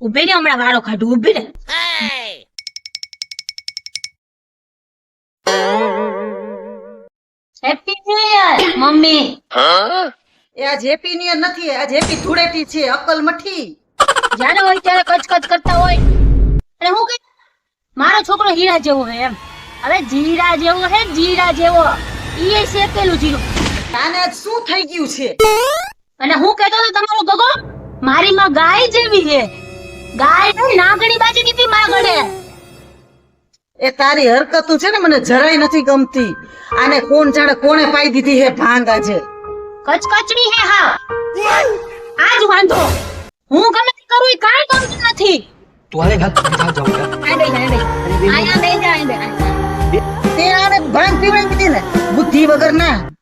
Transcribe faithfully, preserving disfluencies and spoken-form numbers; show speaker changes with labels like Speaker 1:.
Speaker 1: ઉભી ને હમણાં વાળો કાઢું ઉભી ને હેપી ન્યુ યર મમ્મી
Speaker 2: એ આ જેપી ની નથી, આ જેપી ધૂળેટી છે, અકલ મઠી.
Speaker 1: જ્યારે હોય ત્યારે કચકચ કરતા હોય અને હું કઈ મારો છોકરો હીરા જેવો હે એમ. હવે જીરા જેવો હે જીરા જેવો ઈ એ શેકેલું જીરું.
Speaker 2: આને આજ શું થઈ ગયું છે?
Speaker 1: અને હું કહેતો તો તમારો ગગો મારી માં ગાય જેવી છે. ગાય ને નાગણી બાજી દીધી માં ગળે.
Speaker 2: એ તારી હરકતું છે ને મને જરાય નથી ગમતી. આને કોણ જાણે કોણે પાઈ દીધી હે ભાંગ આજે.
Speaker 1: કચકચની હે હા આજ વાંધો. હું ગમે તે કરું ઈ કાંઈ ગમતું નથી.
Speaker 3: तुम्हारे घर कहाँ जाऊंगा
Speaker 1: આ બે આ બે આયા બે જા આ બે
Speaker 2: તે આને ભાંગ પીવડાવી દીધી ને બુદ્ધિ વગર ના.